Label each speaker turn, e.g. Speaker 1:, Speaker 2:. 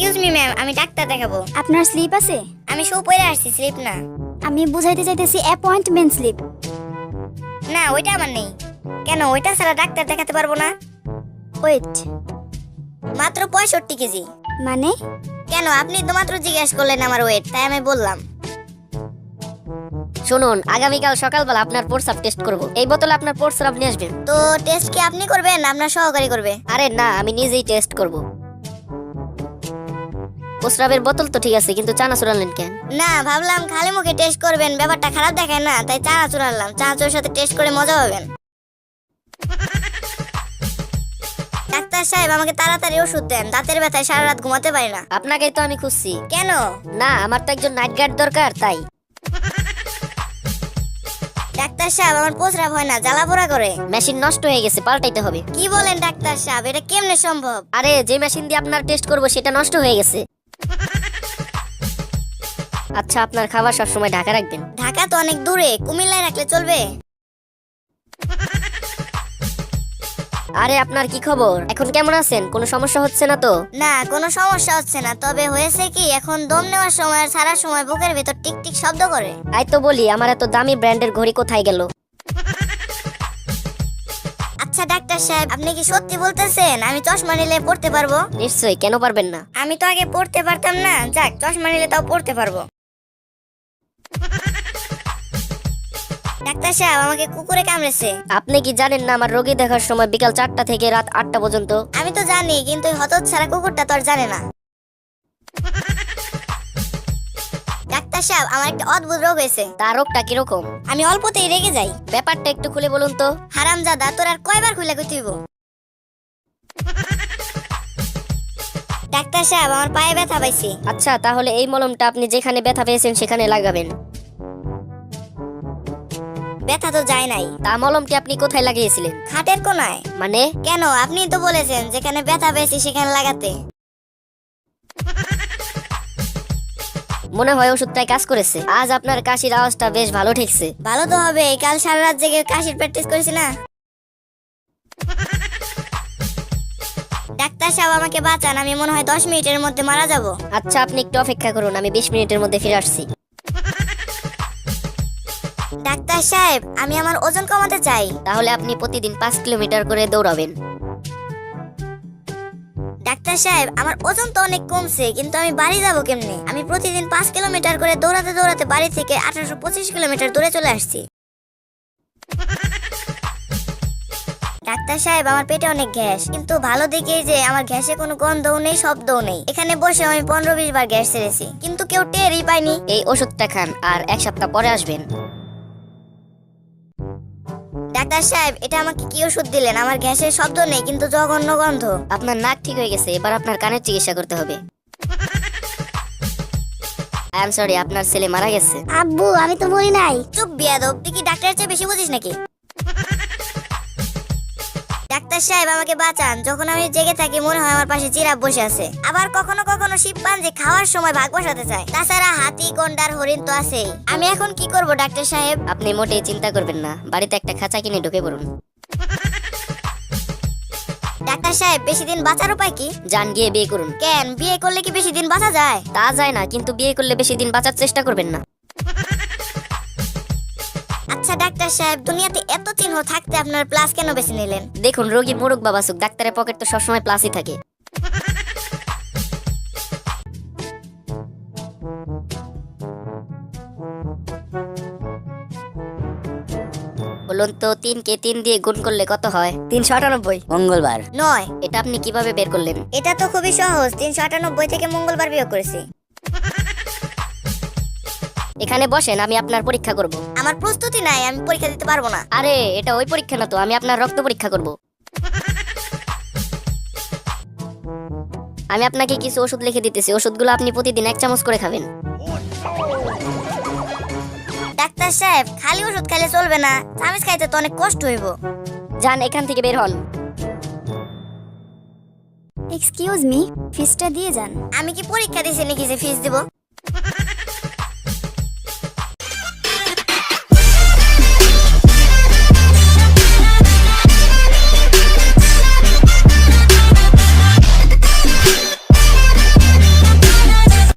Speaker 1: Excuse me ma'am, আমি doctor দেখাবো।
Speaker 2: আপনার স্লিপ আছে?
Speaker 1: আমি শু পরে আসছি, স্লিপ না।
Speaker 2: আমি বুঝাইতে চাইতেছি অ্যাপয়েন্টমেন্ট স্লিপ।
Speaker 1: না, ওইটা আমার নেই। কেন, ওইটা ছাড়া ডাক্তার দেখাতে পারবো না?
Speaker 2: ওয়েট,
Speaker 1: মাত্র 65 কেজি।
Speaker 2: মানে?
Speaker 1: কেন, আপনি তো মাত্র জিজ্ঞেস করলেন আমার ওয়েট, তাই আমি বললাম।
Speaker 3: শুনুন, আগামীকাল সকালবেলা আপনার প্রস্রাব টেস্ট করব। এই বোতলে আপনার প্রস্রাব নিয়ে আসবেন।
Speaker 1: তো টেস্ট কি আপনি করবেন, আপনার সহকারী করবে?
Speaker 3: আরে না, আমি নিজেই টেস্ট করব। প্রস্রাবের বোতল তো ঠিক আছে, কিন্তু চানাচুর আনলেন কেন?
Speaker 1: না, ভাবলাম খালি মুখে টেস্ট করবেন, ব্যাপারটা খারাপ দেখায় না, তাই চানাচুর আনলাম। চানাচুরের সাথে টেস্ট করে মজা পাবেন। ডাক্তার সাহেব, আমাকে তাড়াতাড়ি ওষুধ দেন, দাঁতের ব্যথায় সারা রাত ঘুমাতে পারি না।
Speaker 3: আপনাকেই তো আমি খুঁজছি।
Speaker 1: কেন?
Speaker 3: না, আমার তো একজন নাইট গার্ড দরকার, তাই।
Speaker 1: ডাক্তার সাহেব, আমার প্রস্রাব হয় না, জ্বালা পোড়া করে।
Speaker 3: মেশিন নষ্ট হয়ে গেছে, পাল্টাইতে হবে।
Speaker 1: কি বলেন ডাক্তার সাহেব, এটা কেমনে সম্ভব?
Speaker 3: আরে, যে মেশিন দিয়ে আপনার টেস্ট করব সেটা নষ্ট হয়ে গেছে। আচ্ছা, আপনার খাবার সবসময় ঢাকা রাখবেন।
Speaker 1: ঢাকা তো অনেক দূরে, কুমিল্লায় রাখলে চলবে?
Speaker 3: আরে, আপনার কি খবর? এখন কেমন আছেন? কোনো সমস্যা হচ্ছে না তো?
Speaker 1: না, কোনো সমস্যা হচ্ছে না, তবে হয়েছে কি, এখন দম নেওয়ার সময় আর ছাড়ার সময় বুকের ভেতর টিক টিক শব্দ করে।
Speaker 3: তাই তো বলি, আমার এত দামি ব্র্যান্ডের ঘড়ি কোথায় গেল?
Speaker 1: আচ্ছা ডাক্তার সাহেব, আপনি কি সত্যি বলতেছেন আমি চশমা নিলে পড়তে পারবো?
Speaker 3: নিশ্চয়ই, কেন পারবেন না?
Speaker 1: আমি তো আগে পড়তে পারতাম না, যাক, চশমা নিলে তাও পড়তে পারবো। ডাক্তার সাহেব, আমাকে কুকুরে কামড়েছে।
Speaker 3: আপনি কি জানেন না, আমার রোগী দেখার সময় বিকাল 4টা থেকে রাত 8টা পর্যন্ত?
Speaker 1: আমি তো জানি, কিন্তু ওই হতচ্ছাড়া কুকুরটা তো আর জানে না। ডাক্তার সাহেব, আমার একটা অদ্ভুত রোগ হয়েছে।
Speaker 3: তার রোগটা কিরকম?
Speaker 1: আমি অল্পতেই রেগে যাই।
Speaker 3: ব্যাপারটা একটু খুলে বলুন তো।
Speaker 1: হারামজাদা, তোর আর কয়বার খুলে কইতে হইব? ডাক্তার সাহেব, আমার পায়ে ব্যথা পাইছি।
Speaker 3: আচ্ছা, তাহলে এই মলমটা আপনি যেখানে ব্যথা পেয়েছেন সেখানে লাগাবেন।
Speaker 1: ব্যথা তো যায় নাই।
Speaker 3: তা মলমটি আপনি কোথায় লাগিয়েছিলেন?
Speaker 1: খাটের কোনায়।
Speaker 3: মানে?
Speaker 1: কেন, আপনি তো বলেছেন যেখানে ব্যথা পেয়েছি সেখানে লাগাতে।
Speaker 3: মনে হয় ওষুধটাই কাজ করেছে। আজ আপনার কাশির আওয়াজটা বেশ ভালো ঠেকছে।
Speaker 1: ভালো তো হবে, কাল সারা রাত জেগে কাশির প্র্যাকটিস করেছি না। ডাক্তার সাহেব, আমাকে বাঁচান, আমি মনে হয় 10 মিনিটের মধ্যে মারা যাব।
Speaker 3: আচ্ছা, আপনি একটু অপেক্ষা করুন, আমি 20 মিনিটের মধ্যে ফিরে আসছি।
Speaker 1: ডাক্তার সাহেব, আমি আমার ওজন কমাতে চাই।
Speaker 3: তাহলে আপনি প্রতিদিন 5 কিলোমিটার করে দৌড়াবেন।
Speaker 1: ডাক্তার সাহেব, আমার ওজন তো অনেক কমছে, কিন্তু আমি বাড়ি যাব কেমনে? আমি প্রতিদিন 5 কিলোমিটার করে দৌড়াতে দৌড়াতে বাড়ি থেকে 1825 কিলোমিটার দূরে চলে আসছি। ডাক্তার সাহেব, আমার পেটে অনেক গ্যাস, কিন্তু ভালো দিকে যে আমার গ্যাসে কোনো গন্ধও নেই, শব্দও নেই। এখানে বসে আমি 15-20 বার গ্যাস ছেড়েছি, কিন্তু কেউ টেরই পায়নি।
Speaker 3: এই ওষুধটা খান, আর 1 সপ্তাহ পরে আসবেন।
Speaker 1: ডাক্তার সাহেব, এটা আমাকে কি ওষুধ দিলেন? আমার গ্যাসের শব্দ নেই, কিন্তু জঘন্য গন্ধ।
Speaker 3: আপনার নাক ঠিক হয়ে গেছে, এবার আপনার কানের চিকিৎসা করতে হবে। আই এম সরি, আপনার ছেলে মারা গেছে।
Speaker 2: আব্বু, আমি তো মরি নাই।
Speaker 1: চুপ বিয়াদব, তুই কি ডাক্তারের চেয়ে বেশি বুঝিস নাকি? ডাক্তার সাহেব, আমাকে বাঁচান, যখন আমি জেগে থাকি মনে হয় আমার পাশে জিরাফ বসে আছে। আবার কখনো কখনো শিম্পাঞ্জি খাওয়ার সময় ভাগ বসাতে চায়। তাছাড়া হাতি, গন্ডার, হরিণ তো আছেই। আমি এখন কি করব ডাক্তার সাহেব?
Speaker 3: আপনি মোটেই চিন্তা করবেন না, বাড়িতে একটা খাঁচা কিনে ঢুকে পড়ুন।
Speaker 1: ডাক্তার সাহেব, বেশি দিন বাঁচার উপায় কি?
Speaker 3: যান, গিয়ে বিয়ে করুন।
Speaker 1: কেন, বিয়ে করলে কি বেশি দিন বাঁচা যায়?
Speaker 3: তা যায় না, কিন্তু বিয়ে করলে বেশি দিন বাঁচার চেষ্টা করবেন না।
Speaker 1: আচ্ছা ডাক্তার সাহেব, দুনিয়াতে এত চিহ্ন থাকতে আপনার প্লাস কেন বেছে নিলেন?
Speaker 3: দেখুন, রোগী মোরগ বাবাসুক, ডাক্তারের পকেট তো সবসময় প্লাসই থাকে। বলুন তো, 3 কে 3 দিয়ে গুণ করলে কত হয়? 398।
Speaker 4: মঙ্গলবার।
Speaker 1: নয়।
Speaker 3: এটা আপনি কিভাবে বের করলেন?
Speaker 1: এটা তো খুবই সহজ, 398 থেকে মঙ্গলবার বিয়োগ করেছি।
Speaker 3: এখানে বসেন, আমি আপনার পরীক্ষা করব।
Speaker 1: আমার প্রস্তুতি নাই, আমি পরীক্ষা দিতে পারবো না।
Speaker 3: আরে, এটা ওই পরীক্ষা না তো, আমি আপনার রক্ত পরীক্ষা করব। আমি আপনাকে কিছু ওষুধ লিখে দিতেছি, ওষুধগুলো আপনি প্রতিদিন 1 চামচ করে খাবেন।
Speaker 1: ডাক্তার সাহেব, খালি ওষুধ খাইলে চলবে না, চামিচ খাইতে তো অনেক কষ্ট হইব।
Speaker 3: যান, এখান থেকে বের হন।
Speaker 2: এক্সকিউজ মি, ফিসটা দিয়ে যান।
Speaker 1: আমি কি পরীক্ষা দিছি নাকি যে ফিস দিব?